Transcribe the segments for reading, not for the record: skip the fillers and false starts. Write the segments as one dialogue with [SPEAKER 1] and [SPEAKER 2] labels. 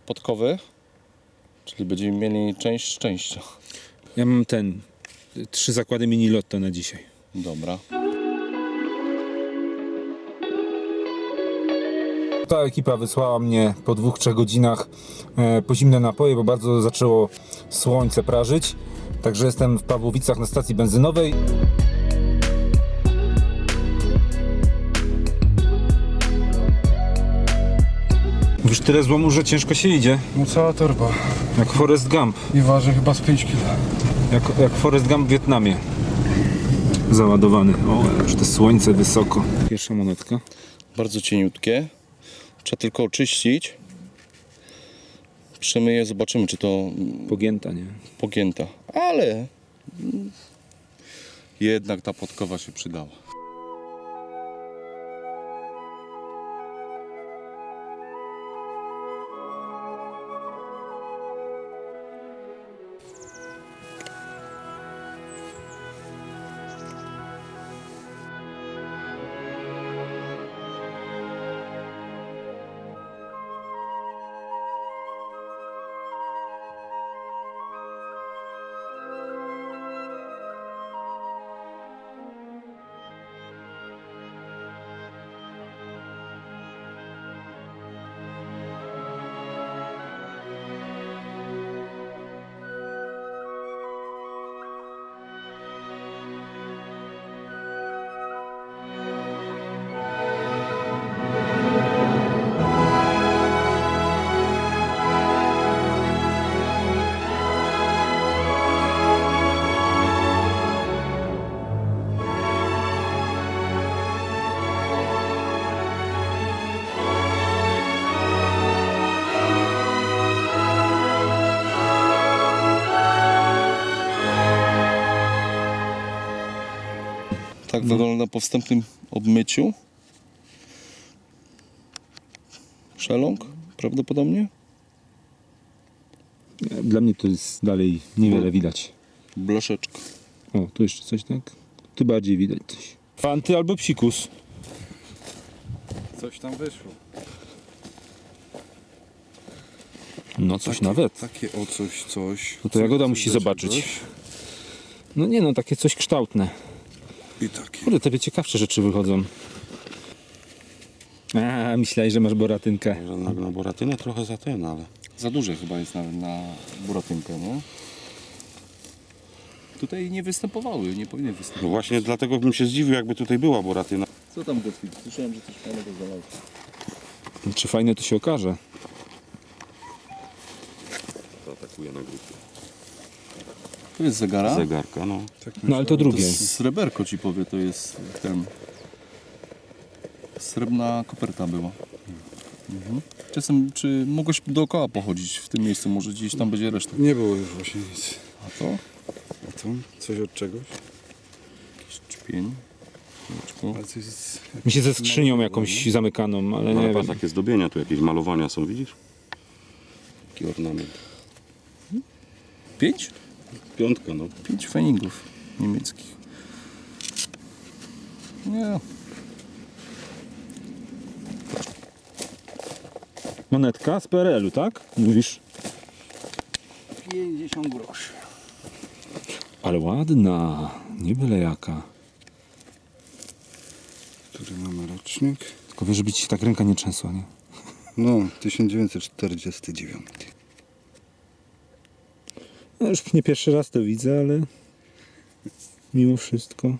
[SPEAKER 1] podkowy, czyli będziemy mieli część szczęścia.
[SPEAKER 2] Ja mam 3 zakłady mini lotto na dzisiaj.
[SPEAKER 1] Dobra.
[SPEAKER 2] Ta ekipa wysłała mnie po 2-3 godzinach po zimne napoje, bo bardzo zaczęło słońce prażyć. Także jestem w Pawłowicach na stacji benzynowej. Już tyle złomu, że ciężko się idzie.
[SPEAKER 3] No cała torba.
[SPEAKER 2] Jak Forrest Gump.
[SPEAKER 3] I waży chyba z 5 kg.
[SPEAKER 2] Jak Forrest Gump w Wietnamie. Załadowany. O, już to słońce wysoko. Pierwsza monetka.
[SPEAKER 1] Bardzo cieniutkie. Trzeba tylko oczyścić. Przemyję, zobaczymy, czy to
[SPEAKER 2] Pogięta, nie?
[SPEAKER 1] pogięta. Ale jednak ta podkowa się przydała. Tak wygląda po wstępnym obmyciu. Szeląg prawdopodobnie.
[SPEAKER 2] Dla mnie to jest dalej niewiele widać.
[SPEAKER 1] Blaszeczka.
[SPEAKER 2] O, tu jeszcze coś, tak? Tu bardziej widać coś. Fanty albo psikus.
[SPEAKER 3] Coś tam wyszło.
[SPEAKER 2] No coś nawet.
[SPEAKER 3] Takie o coś.
[SPEAKER 2] No to Jagoda musi zobaczyć. No nie no, takie coś kształtne.
[SPEAKER 3] I takie.
[SPEAKER 2] Kurde, tobie ciekawsze rzeczy wychodzą. A, myślałeś, że masz boratynkę.
[SPEAKER 4] Na boratynę trochę za ten, ale...
[SPEAKER 1] Za duże chyba jest nawet na buratynkę, nie? Tutaj nie występowały, nie powinny
[SPEAKER 4] No
[SPEAKER 1] występować.
[SPEAKER 4] właśnie dlatego bym się zdziwił, jakby tutaj była boratyna.
[SPEAKER 1] Co tam Gottfried? Słyszałem, że coś fajnego znalazł.
[SPEAKER 2] Czy fajne to się okaże?
[SPEAKER 4] To atakuje na grupie.
[SPEAKER 1] To jest zegara?
[SPEAKER 4] Zegarka, no.
[SPEAKER 2] No ale to
[SPEAKER 1] To
[SPEAKER 2] drugie.
[SPEAKER 1] jest sreberko ci powie, to jest ten... Srebrna koperta była. Mhm. Czasem, czy mogłeś dookoła pochodzić w tym miejscu, może gdzieś tam będzie reszta.
[SPEAKER 3] Nie było już właśnie nic.
[SPEAKER 1] A to?
[SPEAKER 3] A to? Coś od czegoś?
[SPEAKER 1] Jakiś czpień. Kółeczko.
[SPEAKER 3] Ale coś jest...
[SPEAKER 2] Mi się ze skrzynią jakąś zamykaną, ale
[SPEAKER 4] Ale
[SPEAKER 2] nie
[SPEAKER 4] patrz,
[SPEAKER 2] wiem.
[SPEAKER 4] takie zdobienia, tu jakieś malowania są, widzisz? Taki ornament.
[SPEAKER 1] 5?
[SPEAKER 4] Piątka, no.
[SPEAKER 1] 5 feningów niemieckich. Nie.
[SPEAKER 2] Monetka z PRL-u, tak? Mówisz?
[SPEAKER 3] 50 groszy.
[SPEAKER 2] Ale ładna. Nie byle jaka.
[SPEAKER 3] Który mamy rocznik?
[SPEAKER 2] Tylko wiesz, żeby ci się tak ręka nie trzęsła, nie?
[SPEAKER 3] No, 1949.
[SPEAKER 2] No już nie pierwszy raz to widzę, ale mimo wszystko.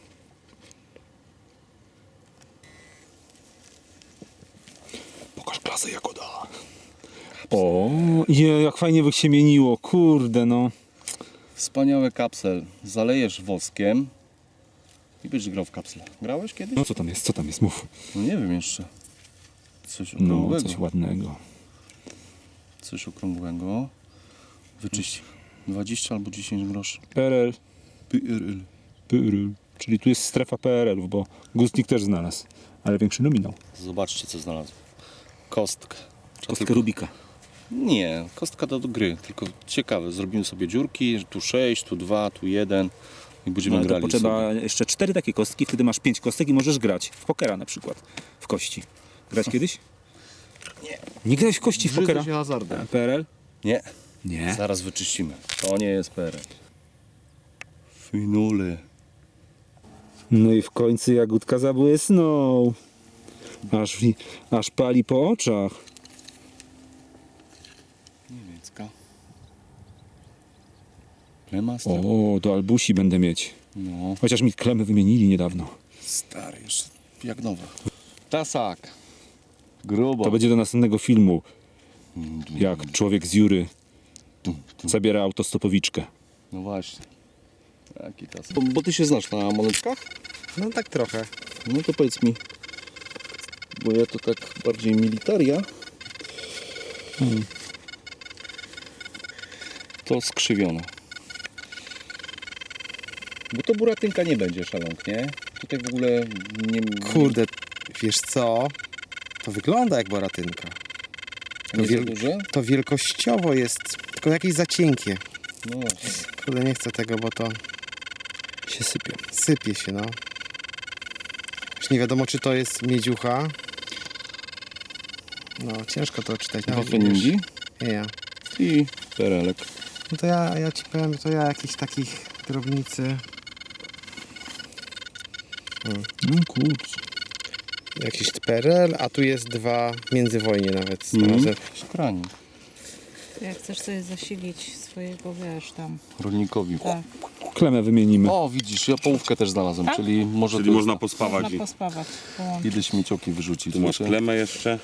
[SPEAKER 2] Pokaż klasę Jagoda. O, jak fajnie by się mieniło, kurde no.
[SPEAKER 1] Wspaniały kapsel. Zalejesz woskiem i będziesz grał w kapsle. Grałeś kiedyś?
[SPEAKER 2] No co tam jest, mów.
[SPEAKER 1] No nie wiem jeszcze. Coś
[SPEAKER 2] No,
[SPEAKER 1] okrągłego.
[SPEAKER 2] coś ładnego.
[SPEAKER 1] Coś okrągłego. Wyczyść. 20 albo 10 groszy.
[SPEAKER 2] PRL.
[SPEAKER 1] PRL.
[SPEAKER 2] Czyli tu jest strefa PRL-ów, bo Gustnik też znalazł, ale większy nominał.
[SPEAKER 1] Zobaczcie, co znalazłem. Kostkę.
[SPEAKER 2] Kostkę Rubika.
[SPEAKER 1] Nie, kostka do gry, tylko ciekawe. Zrobimy sobie dziurki, tu 6, tu 2, tu 1 i będziemy
[SPEAKER 5] No, ale to
[SPEAKER 1] grali
[SPEAKER 5] potrzeba
[SPEAKER 1] sobie.
[SPEAKER 5] jeszcze 4 takie kostki, wtedy masz 5 kostek i możesz grać w pokera na przykład, w kości. Grać kiedyś?
[SPEAKER 2] Nie grałeś w kości w pokera?
[SPEAKER 1] Brzydzę się hazardem.
[SPEAKER 2] PRL?
[SPEAKER 1] Nie.
[SPEAKER 2] Nie.
[SPEAKER 1] Zaraz wyczyścimy. To nie jest PRL. Finule.
[SPEAKER 2] No i w końcu jagódka zabłysnął. Aż pali po oczach.
[SPEAKER 1] Niemiecka. Plemasta.
[SPEAKER 2] O, do albusi będę mieć.
[SPEAKER 1] No.
[SPEAKER 2] Chociaż mi klemy wymienili niedawno.
[SPEAKER 1] Stary, jeszcze jak nowa. Tasak. Grubo.
[SPEAKER 2] To będzie do następnego filmu. Jak człowiek z Jury zabiera autostopowiczkę.
[SPEAKER 1] No właśnie. Jaki tasak. Bo ty się znasz na monetkach?
[SPEAKER 3] No tak trochę.
[SPEAKER 1] No to powiedz mi. Bo ja to tak bardziej militaria. To skrzywione. Bo to buratynka nie będzie szalonk, nie? Tutaj w ogóle nie...
[SPEAKER 5] Kurde, wiesz co? To wygląda jak boratynka.
[SPEAKER 1] nie za duże?
[SPEAKER 5] To wielkościowo jest, tylko jakieś za cienkie.
[SPEAKER 1] No.
[SPEAKER 5] Kurde, nie chcę tego, bo to
[SPEAKER 2] Się sypie.
[SPEAKER 5] sypie się, no. Już nie wiadomo, czy to jest miedziucha. No, ciężko to czytać. Nawet nie wiesz.
[SPEAKER 1] Waffenindi
[SPEAKER 5] Nie.
[SPEAKER 1] i perelek.
[SPEAKER 5] No to ja ci powiem, to ja jakichś takich drobnicy,
[SPEAKER 2] No kurczę.
[SPEAKER 5] jakiś PRL, a tu jest 2 międzywojnie nawet.
[SPEAKER 1] Szkranik.
[SPEAKER 6] Jak chcesz sobie zasilić swojego, wiesz, tam.
[SPEAKER 1] Rolnikowi.
[SPEAKER 6] Tak,
[SPEAKER 2] Klemę wymienimy.
[SPEAKER 1] O, widzisz, ja połówkę też znalazłem,
[SPEAKER 6] Tak?
[SPEAKER 1] czyli może
[SPEAKER 4] Czyli
[SPEAKER 1] to
[SPEAKER 4] można pospawać
[SPEAKER 6] można
[SPEAKER 4] i
[SPEAKER 6] pospawać, połączyć.
[SPEAKER 1] idę śmiecioki wyrzucić.
[SPEAKER 4] tu masz
[SPEAKER 1] Wiecie?
[SPEAKER 4] klemę jeszcze.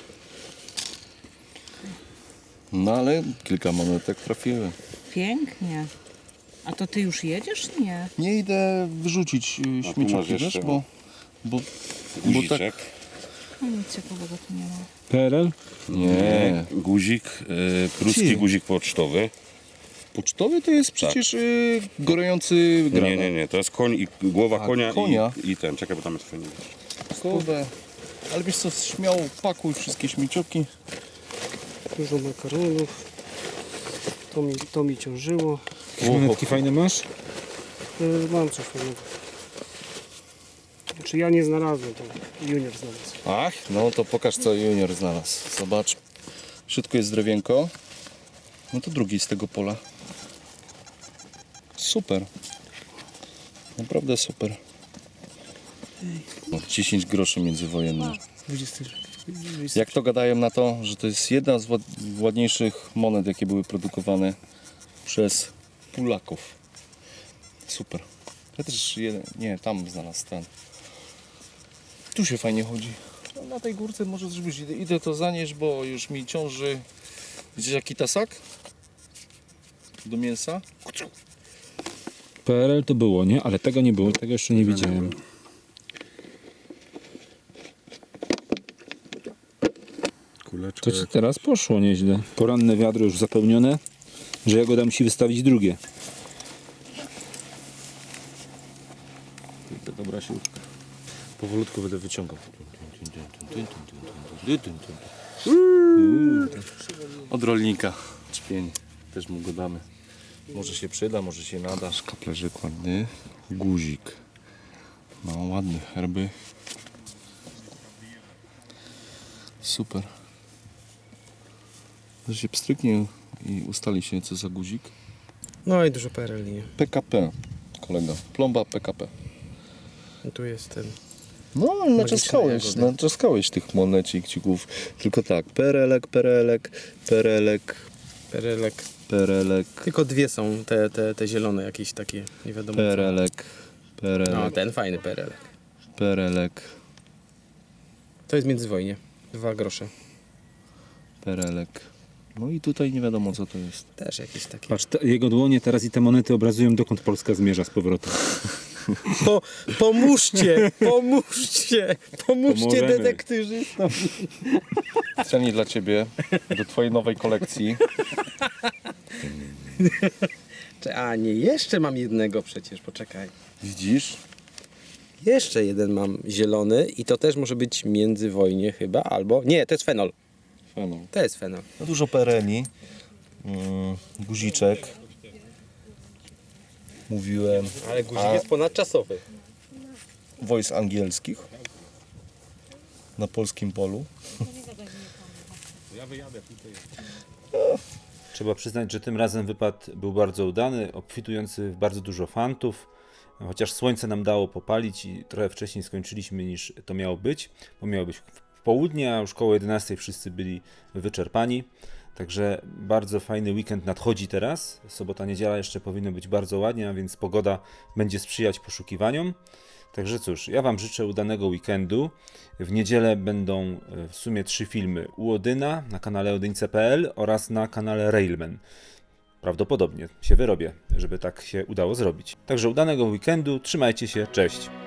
[SPEAKER 1] No ale kilka monetek trafiły.
[SPEAKER 6] Pięknie. A to ty już jedziesz? Nie.
[SPEAKER 1] Nie idę wyrzucić
[SPEAKER 4] tu masz
[SPEAKER 1] śmiecioki,
[SPEAKER 4] jeszcze,
[SPEAKER 1] wiesz, bo tak...
[SPEAKER 4] Guziczek.
[SPEAKER 6] No nic ciekawego tu nie ma.
[SPEAKER 2] PRL?
[SPEAKER 1] Nie.
[SPEAKER 4] Guzik, pruski
[SPEAKER 1] Ty.
[SPEAKER 4] guzik pocztowy.
[SPEAKER 1] Pocztowy to jest przecież gorejący granat.
[SPEAKER 4] Nie, to jest koń i głowa
[SPEAKER 1] A,
[SPEAKER 4] konia,
[SPEAKER 1] konia.
[SPEAKER 4] I ten. Czekaj, bo tam jest fajnie.
[SPEAKER 1] Kurde. Ale wiesz co, śmiało pakuj wszystkie śmiecioki.
[SPEAKER 7] Dużo makaronów. To mi ciążyło.
[SPEAKER 2] Jakieś monetki fajne masz?
[SPEAKER 7] Mam coś fajnego. Znaczy ja nie znalazłem, to junior znalazł.
[SPEAKER 1] Ach, no to pokaż co junior znalazł. Zobacz. W środku jest drewienko. No to drugi z tego pola. Super. Naprawdę super. No, 10 groszy międzywojennych.
[SPEAKER 7] 20.
[SPEAKER 1] Jak to gadają na to, że to jest jedna z ładniejszych monet, jakie były produkowane przez Polaków. Super. Ja też jeden, nie, tam znalazł ten. Tu się fajnie chodzi. No, na tej górce może zrobić. Idę to zanieść, bo już mi ciąży. Widzisz jaki tasak? Do mięsa?
[SPEAKER 2] PRL to było, nie? Ale tego nie było, tego jeszcze nie widziałem.
[SPEAKER 3] Kuleczka.
[SPEAKER 2] To ci teraz poszło nieźle. Poranne wiadro już zapełnione, że Jagoda musi wystawić drugie.
[SPEAKER 1] Dobra siłka. Powolutku będę wyciągał. Od rolnika. Czpień. Też mu go damy. Może się przyda, może się nada. Szkaplerzyk ładny. Guzik. No ładny. Herby. Super. To się pstryknie i ustali się co za guzik.
[SPEAKER 5] No i dużo PRL, nie?
[SPEAKER 1] PKP. Kolega. Plomba PKP.
[SPEAKER 5] I tu jest ten.
[SPEAKER 1] No,
[SPEAKER 5] jagody.
[SPEAKER 1] naczaskałeś tych monecik-cików. Tylko tak, perelek, perelek, perelek,
[SPEAKER 5] PRL-ek.
[SPEAKER 1] perelek,
[SPEAKER 5] Tylko 2 są te zielone jakieś takie, nie wiadomo co.
[SPEAKER 1] perelek,
[SPEAKER 5] No,
[SPEAKER 1] perelek,
[SPEAKER 5] ten fajny PRL.
[SPEAKER 1] perelek,
[SPEAKER 5] To jest międzywojnie. 2 grosze.
[SPEAKER 1] perelek. No i tutaj nie wiadomo co to jest.
[SPEAKER 5] Też jakieś takie.
[SPEAKER 2] Patrz, jego dłonie teraz i te monety obrazują, dokąd Polska zmierza z powrotem.
[SPEAKER 5] Pomóżcie! Pomóżcie! Pomóżcie
[SPEAKER 2] Pomożemy.
[SPEAKER 5] detektywystom!
[SPEAKER 1] Ceni dla Ciebie, do Twojej nowej kolekcji.
[SPEAKER 5] A nie, jeszcze mam jednego przecież, poczekaj.
[SPEAKER 1] Widzisz?
[SPEAKER 5] Jeszcze jeden mam zielony i to też może być międzywojnie chyba, albo... Nie, to jest fenol.
[SPEAKER 1] Fenol.
[SPEAKER 5] To jest fenol.
[SPEAKER 1] No dużo pereli, guziczek. Mówiłem.
[SPEAKER 5] Ale guzik jest ponadczasowy.
[SPEAKER 1] Wojsk angielskich na polskim polu.
[SPEAKER 2] Trzeba przyznać, że tym razem wypad był bardzo udany, obfitujący w bardzo dużo fantów. Chociaż słońce nam dało popalić i trochę wcześniej skończyliśmy niż to miało być, bo miało być w południe, a już koło 11 wszyscy byli wyczerpani. Także bardzo fajny weekend nadchodzi teraz. Sobota, niedziela jeszcze powinno być bardzo ładnie, a więc pogoda będzie sprzyjać poszukiwaniom. Także cóż, ja Wam życzę udanego weekendu. W niedzielę będą w sumie 3 filmy u Odyna na kanale odyńce.pl oraz na kanale Railman. Prawdopodobnie się wyrobię, żeby tak się udało zrobić. Także udanego weekendu, trzymajcie się, cześć!